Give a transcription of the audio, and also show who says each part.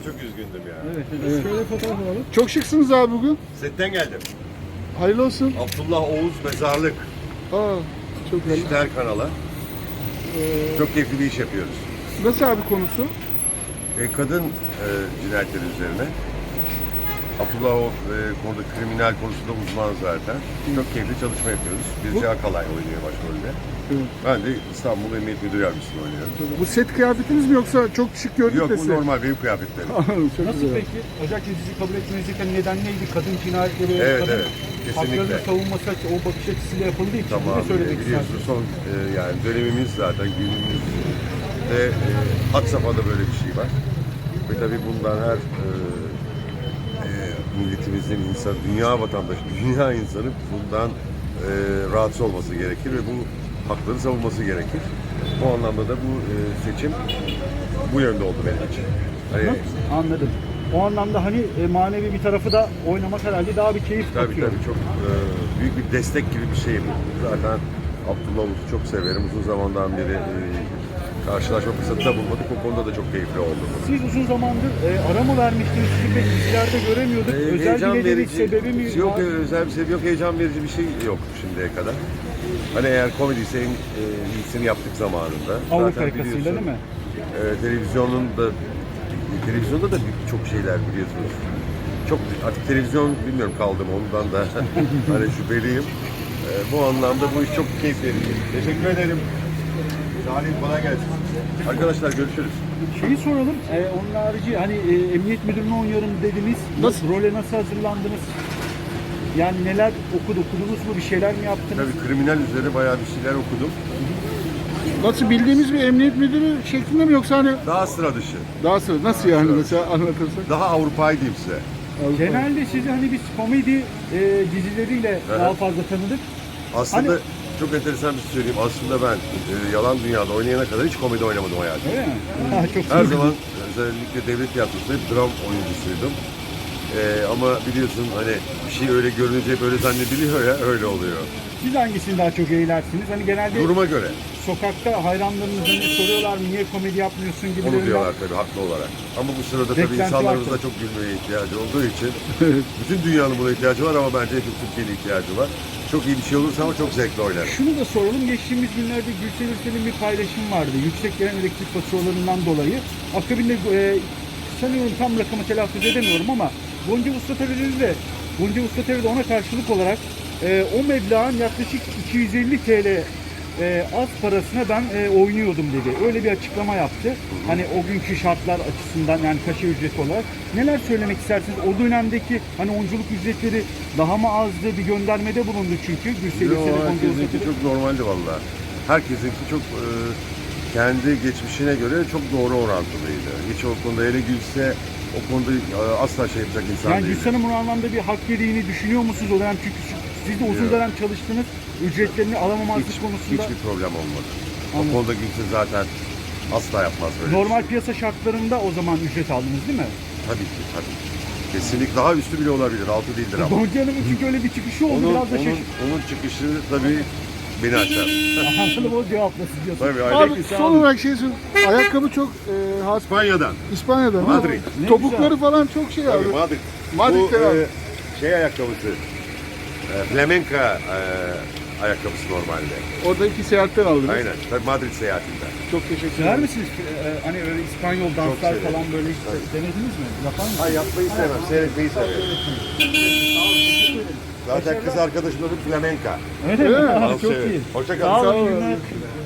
Speaker 1: Çok üzgündüm ya.
Speaker 2: Evet. Şöyle fotoğraf alalım. Çok şıksınız abi bugün.
Speaker 1: Setten geldim.
Speaker 2: Hayırlı olsun.
Speaker 1: Abdullah Oğuz Mezarlık.
Speaker 2: Aa, çok güzel.
Speaker 1: Dijital kanala. Çok keyifli bir iş yapıyoruz.
Speaker 2: Nasıl abi konusu?
Speaker 1: Kadın cinayetleri üzerine. Abdullah Oğuz konuda kriminal konusunda uzman zaten. Çok keyifli çalışma yapıyoruz. Birce Akalay oynuyor başrolde.
Speaker 2: Evet.
Speaker 1: Ben de İstanbul Emniyet Müdür Yardımcısını oynuyorum.
Speaker 2: Bu set kıyafetiniz mi yoksa çok şık gördük
Speaker 1: Yok
Speaker 2: de
Speaker 1: bu
Speaker 2: size?
Speaker 1: normal benim kıyafetlerim.
Speaker 2: Çok
Speaker 3: Nasıl
Speaker 2: güzel.
Speaker 3: peki? Özellikle dizi kabul etmenizin neden neydi? Kadın cinayetleri,
Speaker 1: Evet,
Speaker 3: kadın
Speaker 1: evet. Kesinlikle.
Speaker 3: haklarının savunması o bakış açısıyla yapıldığı için
Speaker 1: Tamam,
Speaker 3: ne söylemek
Speaker 1: biliyorsunuz
Speaker 3: istersiniz?
Speaker 1: son yani dönemimiz zaten günümüzde had safhada böyle bir şey var. Ve tabii bundan her milletimizin insan, dünya vatandaşı, dünya insanı bundan rahatsız olması gerekir ve bu hakları savunması gerekir. Bu anlamda da bu seçim bu yönde oldu benim için. Hani,
Speaker 3: Anladım. O anlamda hani manevi bir tarafı da oynamak herhalde daha bir keyif
Speaker 1: tabii
Speaker 3: katıyor.
Speaker 1: tabii çok büyük bir destek gibi bir şey bu. Zaten Abdullah Oğuz'u çok severim. Uzun zamandan beri karşılaşma fırsatı da bulmadık. O konuda da çok keyifli oldu.
Speaker 3: Siz uzun zamandır ara mı vermiştiniz? Sizi pek dizilerde göremiyorduk. Özel bir nedeni, sebebi mi
Speaker 1: yok,
Speaker 3: var?
Speaker 1: özel bir sebebi yok. Heyecan verici bir şey yok şimdiye kadar. Hani eğer komediyse en iyisini yaptık zamanında.
Speaker 3: Avrupa
Speaker 1: Zaten
Speaker 3: yakasıyla
Speaker 1: biliyorsun,
Speaker 3: değil mi?
Speaker 1: Televizyonda da çok şeyler biliyorsunuz. Çok artık televizyon bilmiyorum kaldım ondan da hani şüpheliyim. Bu anlamda bu iş çok keyif verici. Teşekkür ederim. Salih kolay gelsin. Arkadaşlar görüşürüz.
Speaker 3: Şeyi soralım, onun harici hani emniyet müdürünü oynuyorum dediniz.
Speaker 2: Nasıl?
Speaker 3: Role nasıl hazırlandınız? Yani neler okudunuz mu? Bir şeyler mi yaptınız?
Speaker 1: Tabii kriminal üzerine bayağı bir şeyler okudum.
Speaker 2: Nasıl bildiğimiz bir emniyet müdürü şeklinde mi yoksa hani
Speaker 1: Daha sıra dışı.
Speaker 2: daha sonra nasıl yani mesela anlatırsak?
Speaker 1: Daha Avrupa'yı diyeyim size.
Speaker 3: Genelde sizi hani biz komedi dizileriyle daha fazla tanıdık.
Speaker 1: Aslında
Speaker 3: Hani-
Speaker 1: çok enteresan bir şey söyleyeyim. Aslında ben Yalan Dünya'da oynayana kadar hiç komedi oynamadım hayatımda.
Speaker 3: Öyle mi? Ha, çok
Speaker 1: Her
Speaker 3: güzel.
Speaker 1: zaman özellikle devlet tiyatrosunda hep dram oyuncusuydum. Ama biliyorsun hani bir şey öyle görününce hep öyle zannediliyor ya öyle oluyor.
Speaker 3: Siz hangisini daha çok eğlersiniz? Hani genelde
Speaker 1: Duruma göre.
Speaker 3: sokakta hayranlarınız hani soruyorlar mı niye komedi yapmıyorsun gibi.
Speaker 1: Onu diyorlar tabii haklı olarak. Ama bu sırada tabii
Speaker 3: Beklenti
Speaker 1: insanlarımız
Speaker 3: var
Speaker 1: da çok gülmeye ihtiyacı olduğu için bütün dünyanın buna ihtiyacı var ama bence hep Türkiye'nin ihtiyacı var. Çok iyi bir şey olursa ama çok zevkli oynar.
Speaker 3: Şunu da soralım. Geçtiğimiz günlerde Gülsel Ürsel'in bir paylaşım vardı. Yüksek gelen elektrik faturalarından dolayı. Akabinde sanıyorum tam rakamı telaffuz edemiyorum ama Gonca Usta TV'de ona karşılık olarak o meblağın yaklaşık 250 TL az parasına ben oynuyordum dedi. Öyle bir açıklama yaptı. Hani o günkü şartlar açısından yani kaşe ücreti olarak. Neler söylemek istersiniz? O dönemdeki hani oyunculuk ücretleri daha mı azdı? Bir göndermede bulundu çünkü. Gülsel
Speaker 1: Yo,
Speaker 3: Ürsel'e Gonca Usta
Speaker 1: herkesinki
Speaker 3: TV.
Speaker 1: çok normaldi valla. Herkesinki çok kendi geçmişine göre çok doğru orantılıydı. Hiç o konuda ele gülse o konuda asla şey yapacak insan
Speaker 3: Yani
Speaker 1: değil.
Speaker 3: Gülsel Hanım'ın o anlamda bir hak yediğini düşünüyor musunuz o dönem? Çünkü siz de uzun
Speaker 1: Yok.
Speaker 3: dönem çalıştınız. Ücretlerini alamamazlık konusunda.
Speaker 1: Hiçbir problem olmadı.
Speaker 3: Anladım.
Speaker 1: O konuda Gülse zaten asla yapmaz böyle.
Speaker 3: Normal
Speaker 1: bir şey.
Speaker 3: piyasa şartlarında o zaman ücret aldınız değil mi?
Speaker 1: Tabii ki tabii. Kesinlikle daha üstü bile olabilir. Altı değildir ama.
Speaker 3: Gonca Hanım'ın çünkü öyle bir çıkışı oldu. Biraz da
Speaker 1: onun çıkışı tabii beni aşar.
Speaker 3: Anladım o cevaplasın diyorsun.
Speaker 1: Tabii öyle.
Speaker 2: Abi son olarak şey söyleyeyim. Ayakkabı çok has
Speaker 1: İspanya'dan.
Speaker 2: İspanya'dan.
Speaker 1: Madrid.
Speaker 3: Ne
Speaker 2: Topukları
Speaker 3: güzel.
Speaker 2: falan çok şey abi.
Speaker 1: Tabii Madrid.
Speaker 2: Madrid'de
Speaker 1: Bu
Speaker 2: abi.
Speaker 1: şey ayakkabısı. Flamenca ayakkabısı normalde.
Speaker 2: Oradaki seyahatten aldınız.
Speaker 1: Aynen. Tabii Madrid seyahatinden.
Speaker 2: Çok teşekkür
Speaker 3: Sever
Speaker 2: ederim.
Speaker 3: misiniz? Hani öyle İspanyol danslar
Speaker 1: severim.
Speaker 3: falan böyle hiç denediniz mi? Yapar mısınız?
Speaker 1: Hayır yapmayı sevmem. Seyretmeyi severim. Zaten kız arkadaşım da bir flamenca.
Speaker 3: Öyle mi?
Speaker 2: Öyle mi?
Speaker 3: Ha,
Speaker 1: Dans
Speaker 3: çok
Speaker 1: severim.
Speaker 3: iyi.
Speaker 1: Hoşça
Speaker 3: Sağ
Speaker 1: kalın.
Speaker 3: olun.
Speaker 2: Sağ olun.
Speaker 3: günler.